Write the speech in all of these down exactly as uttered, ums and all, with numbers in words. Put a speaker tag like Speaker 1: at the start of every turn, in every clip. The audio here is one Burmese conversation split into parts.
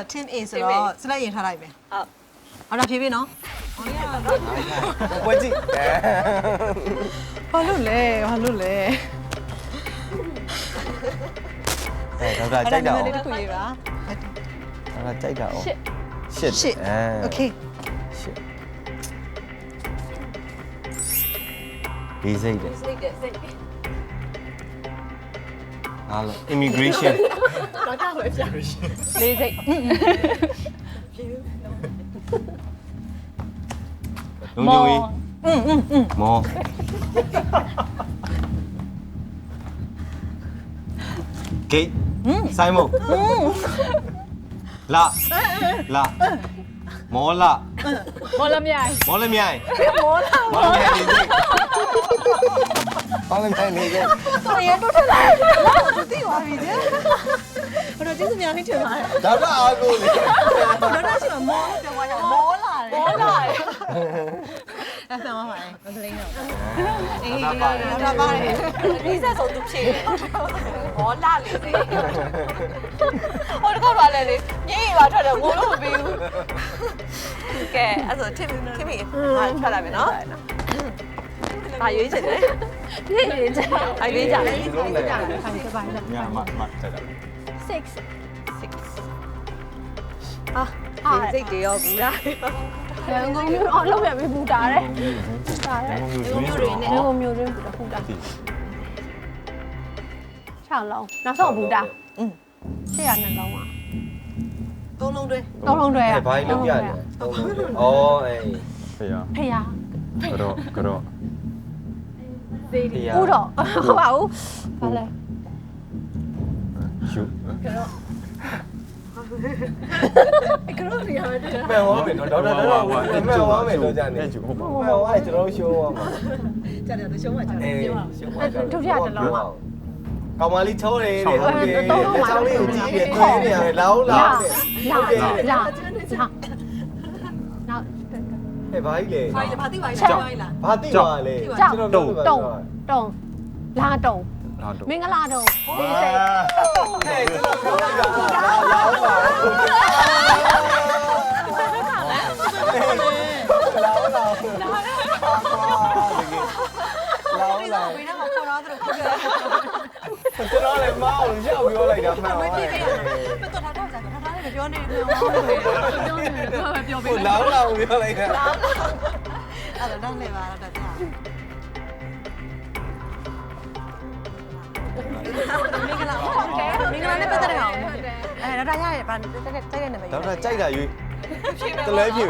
Speaker 1: team A ဆိုတော့စလိုက်ရင်ထားလိုက်မယ်ဟုတ်အဲ့ဒါဖြေပြီနော်
Speaker 2: ပွဲကြည့်
Speaker 1: ဘာလို့လဲဘာလို့လဲ
Speaker 2: အဲဒေါက်တာကြိုက်တာ
Speaker 1: အဲ့ဒါလေးတစ်ခုရေးပါ
Speaker 2: ဒေါက်တာကြိုက်တာအောင်ရှစ်
Speaker 1: ရှစ်โอเค
Speaker 2: ရှစ်ဒီစိတ်တယ်
Speaker 3: စိတ်တယ်စိတ်
Speaker 2: အားလုံး immigration
Speaker 3: တော့တော့ပဲပြန်
Speaker 4: လေးစိတ်
Speaker 2: လုံးကြုံကြီးอืมอืมอืมမောဂိတ်ဆိုင်မုတ်လာလာမောလာ
Speaker 4: မော်လမြိုင်
Speaker 2: မောလမြိုင်
Speaker 3: မောလာ
Speaker 2: မောလမြိုင်နေစိမောလမြိုင်နေစိ
Speaker 1: တော်ရတော့ထက်လာသူသိသွားပြီကျဘယ်တော့ကျေးဇူးများလေးထင်ပါတယ်
Speaker 2: ဒါကအားကိုလေ
Speaker 1: တော့တော့ရှိမှာမောပြောသွားကြမောလာတယ်
Speaker 3: မောလာ
Speaker 1: အဲ့ဆံပါပါတယ်မကလေးတော့
Speaker 2: အေးဒါပါတယ်
Speaker 1: ဒါပါတယ်
Speaker 3: ဒီဆက်ဆုံးသူဖြေမောလာလေဟိုတကောက်ပါလေလေညင်ပါထွက်တယ်ငိုလို့မပြီးဘူးကဲအဲ့ဆို team team ဟာထွက်လာပြီနော်ဘာရွေးချင်လဲရွေးချင်အရွေးကြတယ်
Speaker 2: လုံးလေ
Speaker 1: ခိုင်စပိုင်းလား
Speaker 2: ညမမတက်တာ
Speaker 4: six
Speaker 3: six ဟာစိတ်တွေရောဘူးလား
Speaker 4: ရန်ကုန်မြို့အောင်လုပ်ရပြီပူတာတယ်တာတယ်
Speaker 2: မျိုးမျိုးတွေနဲ့
Speaker 4: ရန်ကုန်မြို့တွင်းပူတာပူတာချောင်းလုံးနောက်ဆုံးပူတာอืมရှေ့ရနှလုံးอ่ะ
Speaker 1: သုံးလုံးတွဲ
Speaker 4: သုံးလုံးတွဲอ่ะ
Speaker 2: ဘိုင်းလုံးရတယ်သုံးလုံးဩအေးဖေရ
Speaker 4: ဖေရ
Speaker 2: ကတော့ကတော့
Speaker 4: ဖေရဦးတော့ဟုတ်ပါဘူးဘာလဲ
Speaker 2: ရှု
Speaker 1: ကရိုရီယာတဲ့
Speaker 2: မဲ့ဝါမယ်နော်ဒေါက်တာတော့မဲ့ဝါမယ်တော့ကြာနေဟုတ်ပါမဲ့ဝါကျွန်တော်ရှိုးဝါမှာ
Speaker 1: ကြတယ်တော့ရှုံးမှကြတယ်
Speaker 2: အေးရှိုးဝါ
Speaker 4: ဒုတိယတစ်လုံးอ่ะ
Speaker 2: ကောင်မလေးချိုးတယ်တဲ့ဟုတ်တယ်လက်ချောင်းလေးကိုကြည့်တယ်ခွေးနေရတယ်လာဦးလာ
Speaker 4: လာ
Speaker 2: တဲ့
Speaker 4: လာလာလာနောက်
Speaker 2: ဟဲ့ဘာကြီးလဲ
Speaker 1: ဘာလဲဘာသိပါလဲဘာလား
Speaker 2: ဘာတိပါလဲတုံတုံ
Speaker 4: တုံတုံလာတုံ
Speaker 2: လာတုံ
Speaker 4: မင်္ဂလာတုံလေးစိတ်
Speaker 2: ဟဲ့ကျွန်တော်ပြောတာလာလာဦးပါလာဦးလာလာလာ
Speaker 1: ဝိနေမှာခေါ်တော့သူတို့ခေါ်တယ်
Speaker 2: ကျွန်တော်လည်းမအောင်ရောက်ပြောလိုက်တာမှန်ပါ
Speaker 1: မ
Speaker 2: ပါ
Speaker 1: သိသေးဘူးမတော်တော့ကြတာဒါလည်းပြောနေတယ်ပြောနေတယ်ပြောပြောပေး
Speaker 2: ဟိုလာဦးလာဦးပြောလိုက်တာ
Speaker 1: အဲ့တော့တော့လေပါတော့တက်တာမင်္ဂလာမင်္ဂလာနဲ့ပတ်သက်တယ်အောင်အဲတော့ဒါရရပါတက်တက်တက်နေမယ်
Speaker 2: ဒေါက်တာကြိုက်တာရွေးတလဲပြေပဲ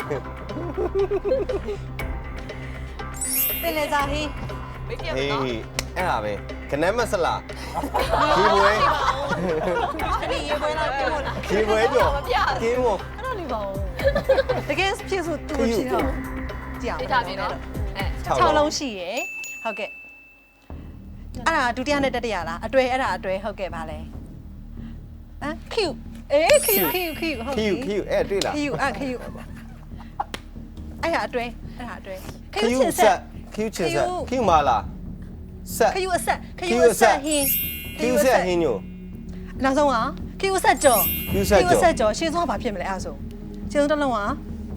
Speaker 1: တင်လေစားဟီး
Speaker 3: မေးပြမ
Speaker 2: အေး
Speaker 3: နော်
Speaker 2: အဲ့ဒါပဲခနမ်းမဆလာဒီပွဲ
Speaker 1: အဲ့ဒီရေပွဲလားပြောလား
Speaker 2: ဒီပွဲကြော်ကင်းမို့
Speaker 1: အဲ့တော့နေပါဦးတကယ်ဖြစ်ဆိုသူဖြစ်တော့ကြည့်အောင်
Speaker 3: ပြထားပြီနော်အဲ
Speaker 1: ၆လုံးရှိရယ်ဟုတ်ကဲ့အဲ့ဒါဒုတိယနဲ့တတိယလားအတွဲအဲ့ဒါအတွဲဟုတ်ကဲ့ပါလဲဟမ် Q အေး Q Q Q ဟုတ်
Speaker 2: ခီယူခီယူအဲ့တွေ့လား
Speaker 1: Q အဲ့ Q အဲ့ဒါအတွဲအဲ့ဒါအတွဲ
Speaker 2: ခီယူဆက်ခီယူချစ်ဆက်ခီယူမာလာဆက်
Speaker 1: Q အဆက် Q အဆက်ဟင်း
Speaker 2: ခီယူဆက်ဟင်းညို
Speaker 1: နောက်ဆုံးက Q အဆက်ကြော်
Speaker 2: Q ဆက်ကြော်
Speaker 1: Q ဆက်ကြော်ရှင်းဆုံးကဘာဖြစ်မလဲအဲ့ဒါဆိုရှင်းဆုံးတစ်လုံးက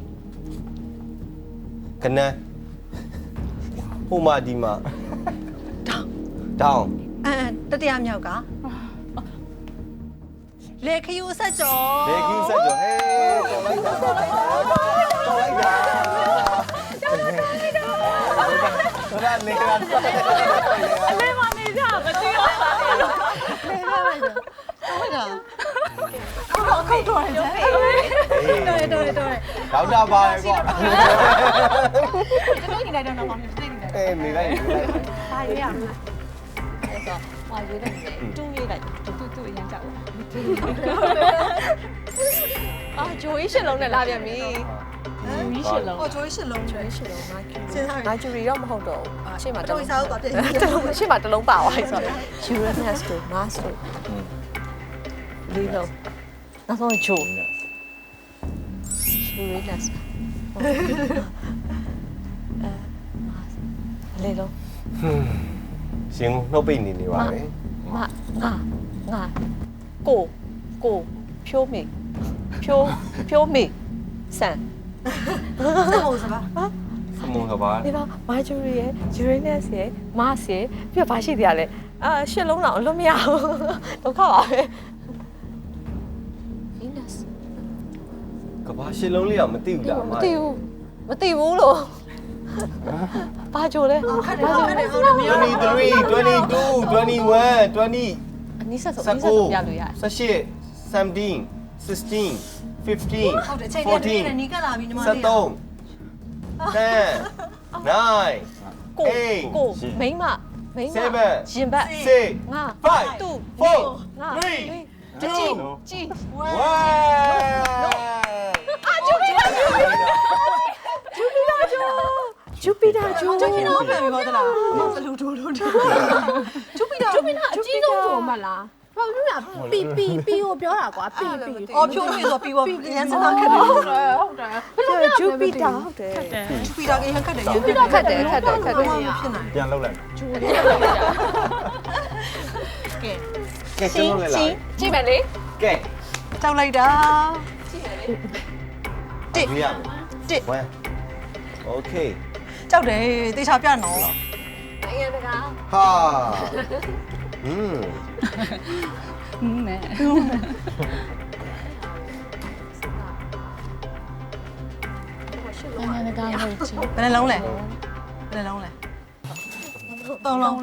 Speaker 2: ခနမ်းဟိုမာဒီမာ
Speaker 1: တောင်း
Speaker 2: တောင်း
Speaker 1: အဲတတိယမြောက်ကလေ Q အဆက်ကြော်
Speaker 2: လေခီယူဆက်ကြော်ဟေးတော်လိုက်တာတော်လိုက်တာတော်လိုက်တာတော်လိုက်တာနေရာတော်လိုက်တာ
Speaker 4: အလေးမနေကြမသိရပါဘူး
Speaker 1: လေပါလိုက်တာဟုတ်ကဲ့
Speaker 4: ခုတ်တော်တယ်
Speaker 1: တော်တယ်တော်တယ်တော်တယ်
Speaker 2: ဒေါက်တာပါလေကွာ
Speaker 1: ကျွန်တော်ညီလိုက်တော့တော့မသိနေတယ်
Speaker 2: အေးနေလိုက်နေလိုက်
Speaker 4: ဘာရွေးရမလဲ
Speaker 3: အဲ့ဆိုဟွာရွေးတယ်တူးရွေးလိုက်တူတူတူအရင်ကြောက်အာဂျိုးရှစ်လုံးနဲ့လာပြန်ပြီ
Speaker 4: မီးရှစ်လုံး
Speaker 1: ဟောချိုးရှစ်လုံးချိုးရှစ်လုံးနိုင်စဉ်းစား
Speaker 3: နိုင်ဂျူရီတော့မဟုတ်တော့ဘူးရှေ့မှာ
Speaker 1: တော်တော်စားတော့ပြည့်
Speaker 3: တလုံးရှေ့မှာတလုံးပါသွားပြီဆိုတော့ Uranus တို့ Mars တို့လေးလုံးနောက်ဆုံးဂျိုး Uranus အဲ လေးလုံး
Speaker 2: ရှင်နှုတ်ပိတ်နေနေပါပဲ
Speaker 3: မငါငါကိုကိုဖြိုးမေဖြိုးဖြိုးမေဆန်
Speaker 1: စမုံစပါ
Speaker 2: စမုံကပါ
Speaker 3: ဒီတော့ Marjorie ရဲ့ Uranus ရဲ့ Mars ရဲ့ပြီးတော့ဘာရှိသေးရလဲအာရှစ်လုံးတော့အလွတ်မရဘူးဒုက္ခပါပဲ Venus
Speaker 2: ကဘာရှစ်လုံးလေးအောင်မသိဘူးလားအ
Speaker 3: မ
Speaker 2: မ
Speaker 3: သိဘူးမသိဘူးလို့ဘာကြိုလဲ
Speaker 1: ခက်တယ်ခက်တယ်ဟုတ်တယ်မရော
Speaker 2: twenty-three twenty-two twenty-one twenty
Speaker 3: အနည်းဆက်ဆုံးအနည်းဆက်ဆုံးပြလို့ရတယ်
Speaker 2: seventeen seventeen sixteen fifteen
Speaker 1: ဟုတ်တယ်ချိန်ပြည့်နေနီးကလာပြီညီမလေး
Speaker 2: seventeen ten nine
Speaker 3: ကို
Speaker 2: eight
Speaker 3: ကိုမိန်းမမိန်းမ
Speaker 2: seven
Speaker 3: ရင်ဘတ်
Speaker 2: six
Speaker 3: ငါ
Speaker 2: five
Speaker 3: တူ
Speaker 2: four
Speaker 3: ငါ
Speaker 2: three
Speaker 3: ကြည့်
Speaker 2: two
Speaker 3: ကြည့်
Speaker 2: one
Speaker 3: အာဂျူပီတာဂျူပီတာဂျူဂျူပီတာဂျူ
Speaker 1: ကျင်းတော့ပြန်ပြီဟုတ်သလားဘလူးထိုးထိုးကျူပီတာ
Speaker 4: ကျူပီနာအကြီးဆုံးထုံမလားဘာလို့လဲပီပီပီကိုပြောတာကွာပီပီ
Speaker 1: အော်ဖြိုးပြီဆိုပြီးတော့ရန်စနာခက်တယ်
Speaker 4: ဟုတ်တယ်ဟုတ်တယ်ဘယ်လို
Speaker 3: ဂျူပီတာဟုတ်တယ်
Speaker 1: ကျူပီတာကရန်ခက်တယ်ရန်
Speaker 3: ဂျူပီတာခက်တယ်ခက်တယ်ခက်တယ်
Speaker 1: ဖြစ်နိုင်
Speaker 2: ပြန်လှုပ်လိုက်
Speaker 4: ဂျူပီ
Speaker 1: ကဲ
Speaker 2: ကဲကျင်းလို့လေလား
Speaker 3: ကြည့်မယ်လေ
Speaker 2: ကဲ
Speaker 1: တောက်လိုက်တာ
Speaker 2: တစ်ရမယ်
Speaker 1: တစ်
Speaker 2: one okay
Speaker 1: ကြောက်တယ်တေချာပြနော်
Speaker 3: နိုင်ငံတကာ
Speaker 2: ဟာอืม
Speaker 4: နဲ့နိုင်ငံတကာဟုတ်ချင်
Speaker 1: ဘယ်နှလုံးလဲဘယ်နှလုံးလဲသုံးလုံး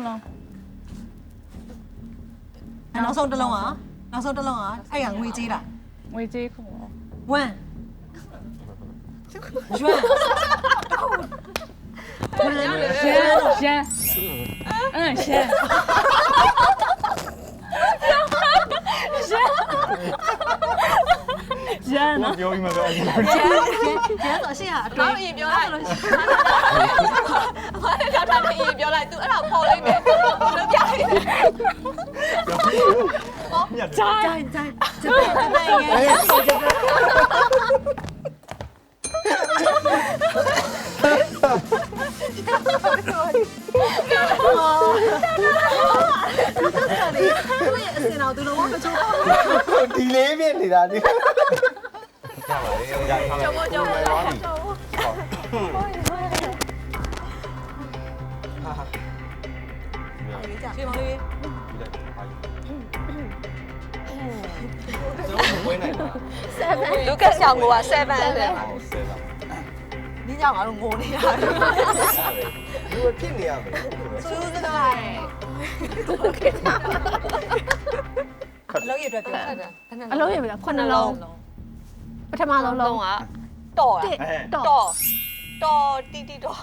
Speaker 1: နောက်ဆုံးတစ်လုံးอ่ะနောက်ဆုံးတစ်လုံးอ่ะအဲ့ရငွေကြေးတာ
Speaker 4: ငွေကြေးခုံ
Speaker 1: one ရွှဲ
Speaker 4: ရန်ရန်အင်းရှန်ရန်နော်
Speaker 2: ပြောပြီးမှပဲအဲ့ဒီ
Speaker 1: ကျန်ကျန်ဆိုအရှိဟာအတွ
Speaker 3: ဘာ
Speaker 1: င်း
Speaker 3: လို့ရင်ပြောလိုက်အမလည်းကြောက်တာလည်းရင်ပြောလိုက် तू အဲ့ဒါပေါ်လိုက်မယ်လို့ပြလိုက်
Speaker 1: ကြိုင်ကြိုင်ကြိုင်ကြိုင်ရဲ့အစင်အောင်သူလုံးဝမချိုးဘူး
Speaker 2: ဒီလေးပြနေတာဒီရပါလေရထား
Speaker 3: ကျော်မကျော်မကျော်
Speaker 1: ပြေမောင်လေး
Speaker 2: ကျွန်တော်ဝင်နိုင်တာ
Speaker 3: လူကဆောင်က7တဲ့
Speaker 2: ဟောဆဲတာ
Speaker 1: ဒီကြောင့်ငါတို့ငိုနေရတယ်
Speaker 2: လူဖြစ်နေရမယ်
Speaker 1: စူးစကားလောက်ရအတွက်ပြောတာ
Speaker 4: အလုံးရပြီလားခုနှလုံးပထမဆုံးလုံး
Speaker 3: ကတော်
Speaker 4: တစ်
Speaker 3: တော်
Speaker 4: တော့
Speaker 3: တော်တီတီတော်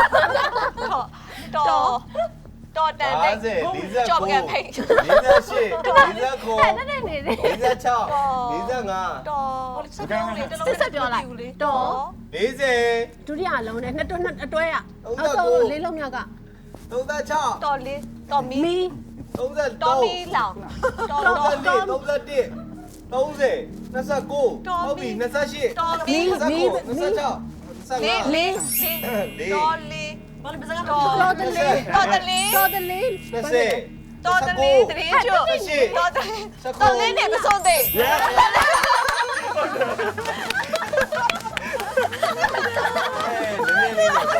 Speaker 3: တော်တော်တော်တန်တဲ့ကြော့ကန်ဖိတ်
Speaker 2: လေးဆယ်ရှစ်လေးဆယ်ခု
Speaker 4: အဲ့နဲ့နေနေ
Speaker 2: လေးဆယ်ခြောက်လေးဆယ်ငါ
Speaker 3: တော်စက်လုံးလေးတစ်လုံး
Speaker 4: ဆက်ပြောလိုက်တော့
Speaker 2: လေးဆယ်
Speaker 4: ဒုတိယလုံးနဲ့နှစ်တွနှစ်အတွဲရ
Speaker 2: ဟုတ်
Speaker 4: အော
Speaker 2: ကဲ့
Speaker 4: က်ဆုံးလေးလုံးမြောက်က
Speaker 2: သုံးဆယ်ခြောက်
Speaker 3: တော်လေးတော်မီ
Speaker 4: မီ
Speaker 2: သုံးဆယ်
Speaker 3: တော်
Speaker 2: သုံး
Speaker 3: မီလောင်တော်
Speaker 2: သုံး
Speaker 3: တော်
Speaker 2: ဆယ်လေးသုံးဆယ်တစ်သုံးဆယ်နှစ်ဆယ်ကိုဟုတ်ပြီနှစ်ဆယ်ရှစ်
Speaker 3: တော်မီ
Speaker 2: နှစ်ဆယ်ကိုနှစ်ဆယ်ခြောက်နှစ်ဆယ်ငါ
Speaker 3: လေးလေးတော်လေး
Speaker 1: ဘာလို့ပစကား
Speaker 3: တော်
Speaker 1: ပြော
Speaker 4: တော်တလေး
Speaker 3: တော်တလေး
Speaker 4: တော်တလေး
Speaker 2: နှစ်ဆယ်
Speaker 3: တော်တလေးတလေးကျွတ်တော်တလေးတော်လေးနဲ့မဆုံးသေး
Speaker 2: အဲ့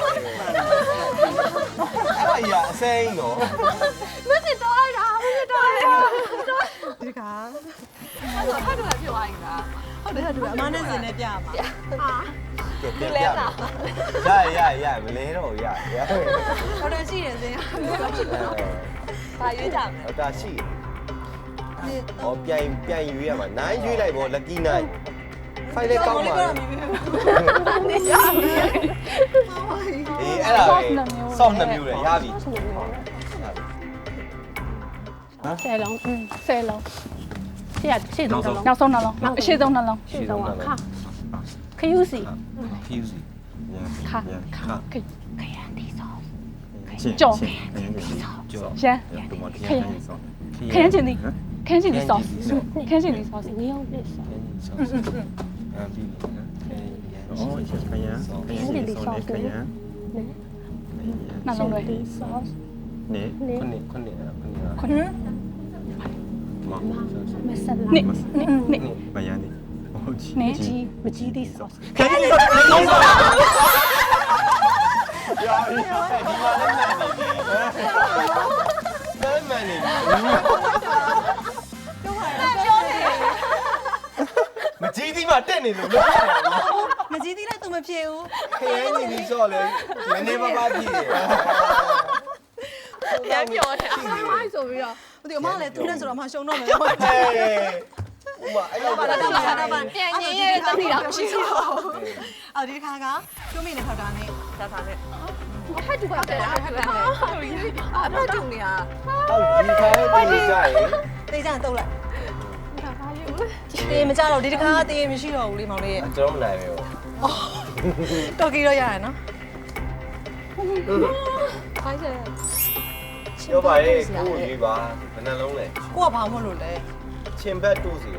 Speaker 2: ဒါရအစိမ်းနော်
Speaker 4: မစစ်တော့လိုက်တာမစစ်တော့လိုက်တာ
Speaker 1: ဒီက
Speaker 3: အဲ့တော့ဖတ်လို့ပြောရရင်လား
Speaker 1: ဟုတ်တယ်ဟုတ်တယ်အမနဲ့စင်နဲ့ပြမှာ
Speaker 4: အာ
Speaker 2: ပြန်ပြန်ရရရမလဲတော့ရရ
Speaker 1: ဟုတ်တယ်ရှိတယ်စင်
Speaker 3: ဘာရွေးကြမလဲ
Speaker 2: ဟုတ်တာရှိဟောပြန်ပြန်ယူရမှာနိုင်ရွေးလိုက်ပေါ့ lucky nine ဖိုင်လေးကောက်ပါအေးအဲ့ဒါပဲဆော့နှမျိုးလေရပြီ
Speaker 4: ဆယ်လုံးอืมဆယ်လုံးရှေ့ရရှေ့ဆုံးလုံးနောက်ဆုံးနှလုံးအရှိဆုံးနှလုံးရှေ့ဆုံးကခခယူစီ
Speaker 2: fuse
Speaker 4: ခခခခရန်ဒီဆောကြော်ရန်ခရန်ခရန်ချင်းဒီခရန်ချင်းဒီဆောခရန်ချင်းဒီဆောငရုံးလေးဆော
Speaker 5: 哦，一些可以啊，可以的，送的可以啊。
Speaker 4: နှလုံးတွေဆော
Speaker 5: 你
Speaker 4: နေ
Speaker 2: ခုနှစ်ခုနှစ်ခုနှစ်
Speaker 4: ခုန
Speaker 5: 毛
Speaker 4: masala နေနေနေ
Speaker 5: 白羊的，哦，鸡
Speaker 4: နေကြီးမကြီးသေး sauce
Speaker 2: ခရင်ကြီးခရင်ကြီးဆောရာဒီမှာလည်းမှန်နေပြီမှန်နေပြီမကြီးသီးမှတက်နေလို့မဖြစ်ဘူး
Speaker 1: မကြီးသေးလဲသူမဖြစ်ဘူး
Speaker 2: ခရင်ကြီးဒီဆော့လေမနေမပါဖြစ်တယ်
Speaker 3: ပြန်ပြောတယ်
Speaker 1: မိုက်ဆိုပြီးတော့ဟိုဒီအမလည်းသူနဲ့ဆိုတော့အမရှုံတော့မယ်ဟုတ်
Speaker 2: ဟဲ့ဥမာအဲ့လိုပါလား
Speaker 1: တော့ပါတော့ပါ
Speaker 3: ပြန်ရင်ရဲ့တတိတော့မရှိဘူး
Speaker 1: အော်ဒီခါကကျိုးမိနေထောက်တာနဲ့
Speaker 3: ဒါပါနဲ့
Speaker 4: ဟဲ့တူပါတယ်
Speaker 3: အမတူနေရ
Speaker 2: တော့ဒီခါလေးဒီကြရင်
Speaker 1: တေးကြရင်တုတ်လိုက်တေးမကြတော့ဒီတခါတေးမရှိတော့ဘူးလေမောင်လေးရဲ့
Speaker 2: ကျွန်တော်မနိုင်ဘူး
Speaker 1: တော်ကီတော့ရရနော်
Speaker 3: ဖိုင်းစဲ
Speaker 2: ပြောပါရဲ့ကိုကိုရေးပါဘယ်နှလုံးလဲ
Speaker 1: ကိုကဘာမှမလို့လဲ
Speaker 2: ချင်းဘက်တူစီတာ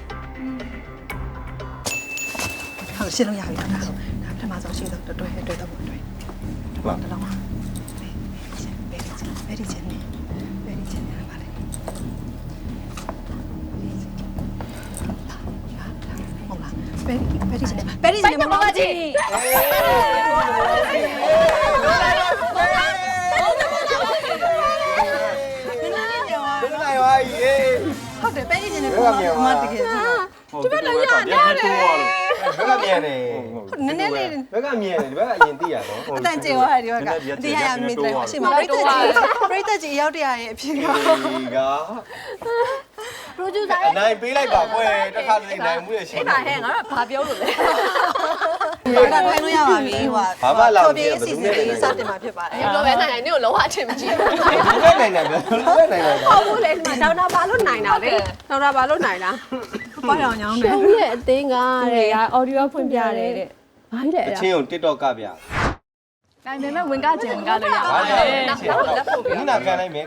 Speaker 1: ဟုတ်ရှင်းလို့ရပြီဒါဒါပထမဆုံးရှင်းတော့တွဲတွဲတော့တွဲဟုတ်တလုံးပါဘယ်ဒီချင်းနေဘယ်ဒီချင်းနေပါလဲဟုတ်လားဘယ်ဒီဘယ်ဒီချင်းနေဘယ်ဒီချင်းနေမမကြီး
Speaker 2: ဘယ်နိုင်ဝါကြီး
Speaker 1: ဟုတ်တယ်ပဲကြီးချင်းနေပုံမှန်တကယ်
Speaker 5: 这边来呀，你还多了。
Speaker 2: ဘက်ကမြန်နေ
Speaker 1: နည်းနည်းလေး
Speaker 2: ဘက်ကမြန်နေဒီဘက်ကအရင်သိရတော့
Speaker 1: အတန်ကျေသွားတယ်ဒီဘက်ကဒီရရမိတယ်အရှိမပြိတ္တကြီးပြိတ္တကြီးရောက်တရရဲ့အဖြစ်က
Speaker 2: ဒီက
Speaker 4: producer
Speaker 2: အနိုင်ပေးလိုက်ပါကွယ်တစ်ခါတည်းနိုင်မှုရရှိ
Speaker 3: အဲ့ဒါဟဲ့ငါတို့ဘာပြောလို့လဲ
Speaker 1: ဒါကထိုင်လို့ရပါပြီဟိုကပြေးစီစီလေးစတင်မှာဖြစ်ပါတယ်
Speaker 3: ဒီလိုပဲနိုင်နိုင်နေကိုလုံးဝအထင်မကြီးဘူး
Speaker 2: ဒီဘက်နိုင်တယ်ဒီဘက်နိုင်တယ်
Speaker 3: ဟုတ်ဘူးလေဒေါက်တာဘာလို့နိုင်တာလဲဒေါက်တာဘာလို့နိုင်တာ
Speaker 1: ပွားရောင်ညောင်းတယ်
Speaker 4: ရှုံးရဲ့အသင်းကတဲ့က audio ဖွင့်ပြတယ်တဲ့ဘာလဲ
Speaker 2: အ
Speaker 4: အဲ့
Speaker 2: ချင်းကို TikTok ကပြ
Speaker 4: ဒါပေမဲ့ဝင်ကကျင်ဝင်ကလို့ရပါ
Speaker 2: ဘာ
Speaker 4: တ
Speaker 2: လဲ
Speaker 4: ယ်
Speaker 3: နောက်တော့လက်ဖို့ပြ
Speaker 2: ဒီနာကန်လိုက်မယ်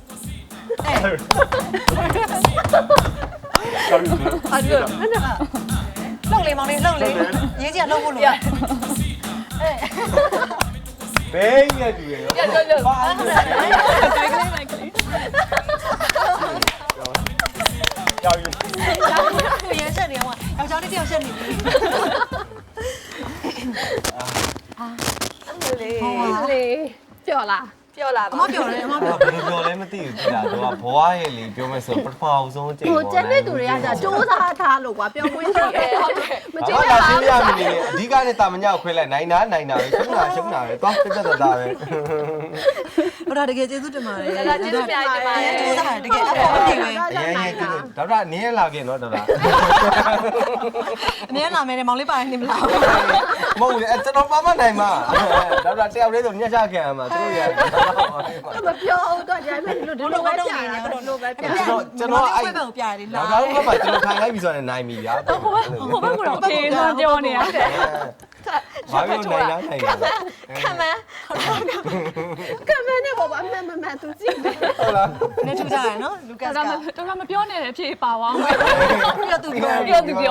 Speaker 3: ဟာဒီလို
Speaker 1: လှုပ်လေမောင်လေးလှုပ်လေရေးကြီးကလှုပ်ဖို့လိုတယ်
Speaker 2: ဘယ်ရတူရရောဘာလဲ
Speaker 4: တိုက်ကလေးတိုက်ကလေး
Speaker 2: ကြောက်ရ
Speaker 1: ပြန်ဆက်နေအောင်ယောက်ျားလေးတယောက်ဆက်နေပြီ
Speaker 3: လေ
Speaker 4: လေပြောလား
Speaker 3: ပြောလာ
Speaker 1: အ
Speaker 3: ပါ
Speaker 1: မပြောတယ်အမ
Speaker 2: ဘာ
Speaker 1: ပြော
Speaker 2: ဘယ်လိုပြောလဲမသိဘူးကြာတော့ဘွားရဲ့လေပြောမယ်ဆိုပထမအောင်ဆုံးအချိန်
Speaker 4: ဟိုကျန်တဲ့သူတွေကじゃစူးစားထားလို့ကွာပြောခွင့်ရှိတယ်ဟုတ်တယ်မကြည့်
Speaker 2: ဘာ
Speaker 4: ရ
Speaker 2: လာ
Speaker 4: ပါ
Speaker 2: ရှင်းပြမနေအဓိကနဲ့တာမညခွဲလိုက်နိုင်နာနိုင်နာပဲရှုံးတာရှုံးတာပဲသွားပြတ်သက်တာပဲ
Speaker 1: ဟိုဒါတကယ်ကျေးဇူးတင်ပါတယ်
Speaker 3: ဒါကျေးဇူးများတင်ပါတ
Speaker 1: အဲ
Speaker 3: ယ်
Speaker 1: ကျေးဇူးတင်တကယ်အဖေအဖေပဲ
Speaker 2: အရင်ရင်ဒေါက်တာနင်းလာခဲ့နော်ဒေါက်တာ
Speaker 1: အများလာမယ်မောင်လေးပါရင်နေမလား
Speaker 2: မဟုတ်လေကျွန်တော်ပါမနိုင်မှာဒေါက်တာတယောက်လေးဆိုညှက်ချခဲ့ရမှာသူတို့ရ
Speaker 4: မပြောတော့ကြိုင်မဲ့လို့ဒီလိုပဲကြာတာလို့ပဲပြ
Speaker 2: ကျွန်တော်ကျွန်တော်အဲ့
Speaker 1: ဘယ်ဘက်ကိုပြရတယ်
Speaker 2: ဒေါ
Speaker 1: လား
Speaker 2: က်တာတို့ကမှကျွန်တော်ထိုင်လိုက်ပြီဆိုရင်နိုင်ပြီဗျာ
Speaker 4: ဟိုဘက်ကတော့ဖေးသွားပြောနေရတယ်
Speaker 2: ဘာလို့နိုင်လားနိုင်လား
Speaker 3: ခံမန်း
Speaker 4: ကမန်းနဲ့ပေါ့ဗျအမှန်မှန်သူကြည့်တယ်
Speaker 2: ဟုတ်လား
Speaker 1: နေထူကြရနော်လူကတ်
Speaker 4: ဒါ
Speaker 1: က
Speaker 4: မှတော့မပြောနဲ့အဖြစ်ပါဝါမယ်
Speaker 1: ပြီးတော့သူပြော
Speaker 4: ပြောသူပြော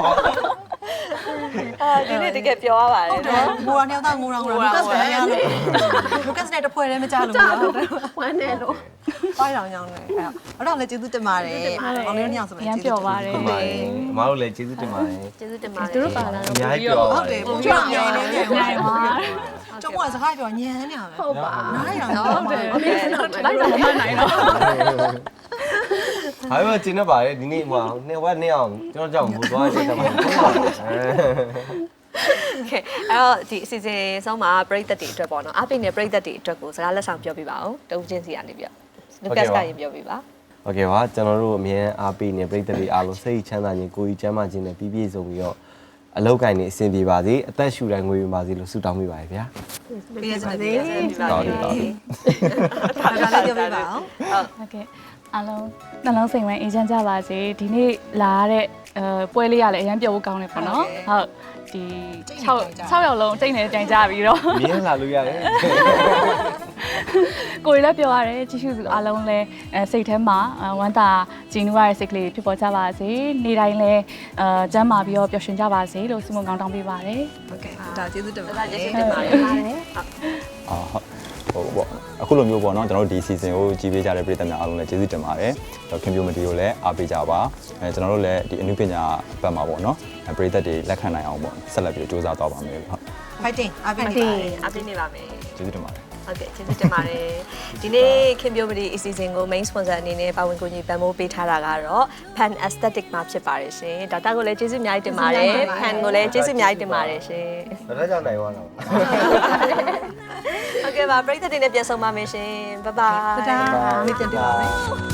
Speaker 3: အာဒီနေ့တကယ်ပြောရပါတယ်
Speaker 1: ဟုတ်တယ်ငိုရနေတော့ငိုရငိုရလူကတ်ပဲရနေလူကတ်နဲ့တပွဲလည်းမကြလို့ဘူးဟုတ်တယ်
Speaker 4: ဝမ်းနေလို့
Speaker 1: ပိုင်းတော်ညောင်းနေအဲ့တော့တော့လည်းကျေးဇူးတင်ပါတယ်မောင်လေးညောင်းဆိုလည်း
Speaker 4: ရမ်းပြောပါတယ်
Speaker 2: ဟုတ်ပါတယ်အမားတို့လည်းကျေးဇူးတင်ပါတယ်
Speaker 3: ကျေးဇူးတင်ပါတယ်
Speaker 4: သူတို့ပါလာ
Speaker 2: အ
Speaker 4: တော့
Speaker 2: များကြီးပြော
Speaker 1: ဟုတ်တယ်ပုံပြညံနေညံ
Speaker 4: နိုင်ပါ
Speaker 1: ကျုံကစကားပြောညံနေရပဲ
Speaker 4: ဟုတ်ပါ
Speaker 1: နားရအောင်
Speaker 4: ဟုတ်တယ်အမေကတော့လိုက်တော့မမှန်နိုင်တော့
Speaker 2: ဟာမကျင်းနေပါတယ်ဒီနေ့ဟိုနှစ်ဝက်နှစ်အောင်ကျွန်တော်ကြောက်ဘူးသွားချက်တယ်မှာ
Speaker 3: โอเคအဲ့တော့ဒီအစီအစဉ်ဆုံးမှာပရိသတ်တွေအတွက်ပေါ့နော်အပိနဲ့ပရိသတ်တွေအတွက်ကိုစကားလက်ဆောင်ပြောပြပါဦးတုံးချင်းစီကနေပြလူကတ်ကရင်ပြောပြပါ
Speaker 2: โอเคပါကျွန်တော်တို့အမြဲအားပေးနေပြည်သက်တွေအားလုံးစိတ်ချမ်းသာခြင်းကိုယ်ကြီးချမ်းသာခြင်းနဲ့ပြည့်ပြည့်စုံပြီးတော့အလောက်ကိုင်းနေအဆင်ပြေပါစေအသက်ရှူတိုင်းငွေဝင်ပါစေလို့ဆုတောင်းမိပါတယ်ဗျာ
Speaker 1: ပြည့်စုံပါစေ
Speaker 2: တော်တယ်တော်တယ်
Speaker 1: ဒါလည်းပြောပြပါအောင်
Speaker 4: ဟုတ်ကဲ့အားလုံးနှလုံးစိမ်ဝမ်းအေးချမ်းကြပါစေဒီနေ့လာရတဲ့အဲပွဲလေးရလည်းအရင်ပြောဖို့ကောင်းတယ်ပေါ့နော်ဟုတ်ဒီ6 6ရောက်လုံးတိတ်နေတိုင်ကြပြီးတော့
Speaker 2: မြင်းလာလို့ရတယ်
Speaker 4: ကိုယ်လည်းပြောရတယ်ကြည့်ရှုသူအားလုံးလည်းအဲစိတ်ထဲမှာဝမ်းသာကြည်နူးရတဲ့စိတ်ကလေးဖြစ်ပေါ်ကြပါစေနေ့တိုင်းလည်းအဲကျမ်းမာပြီးတော့ပျော်ရွှင်ကြပါစေလို့ဆုမွန်ကောင်းတောင်းပေးပါတယ်
Speaker 1: โอเคဒါကျေးဇူးတင်ပါတ
Speaker 3: ဒါ
Speaker 1: ယ်
Speaker 3: ကျေးဇူးတင်ပါတယ်
Speaker 2: အော်ဟုတ်
Speaker 6: ဟိုပေါ့အခုလိုမျိုးပေါ့နော်ကျွန်တော်တို့ဒီ season ကိုကြီးပေးကြတဲ့ပြည်သက်များအားလုံးလည်းကျေးဇူးတင်ပါတယ်ခင်ဗျိုမတီကိုလည်းအားပေးကြပါအဲကျွန်တော်တို့လည်းဒီအနုပညာဘက်မှာပေါ့နော်ပြည်သက်တွေလက်ခံနိုင်အောင်ပေါ့ဆက်လက်ပြီးစူးစမ်းသွားပါမယ်ဟုတ်
Speaker 1: fighting အားပေးနေပါတယ်
Speaker 3: အားပေးနေပါမယ်
Speaker 6: ကျေးဇူးတင်ပါတယ်
Speaker 3: ဟုတ်ကဲ့ကျေးဇူးတင်ပါတယ်ဒီနေ့ခင်ဗျိုမဒီအစီအစဉ်ကို main sponsor အနေနဲ့ပါဝင်ကူညီပံ့ပိုးပေးထားတာကတော့ Pan Aesthetic မှာဖြစ်ပါတယ်ရှင်ဒေါက်တာကိုလည်းကျေးဇူးအများကြီးတင်ပါတယ် Pan ကိုလည်းကျေးဇူးအများကြီးတင်ပါတယ်ရှင်
Speaker 2: ဒါကြောင့်နိုင်သွားတော့
Speaker 3: ဟုတ်ကဲ့ပါပရိသတ်တွေနဲ့ပြန်ဆုံပါမယ်ရှင် bye bye
Speaker 1: ဒါမိတ်တင်ပြပါမယ်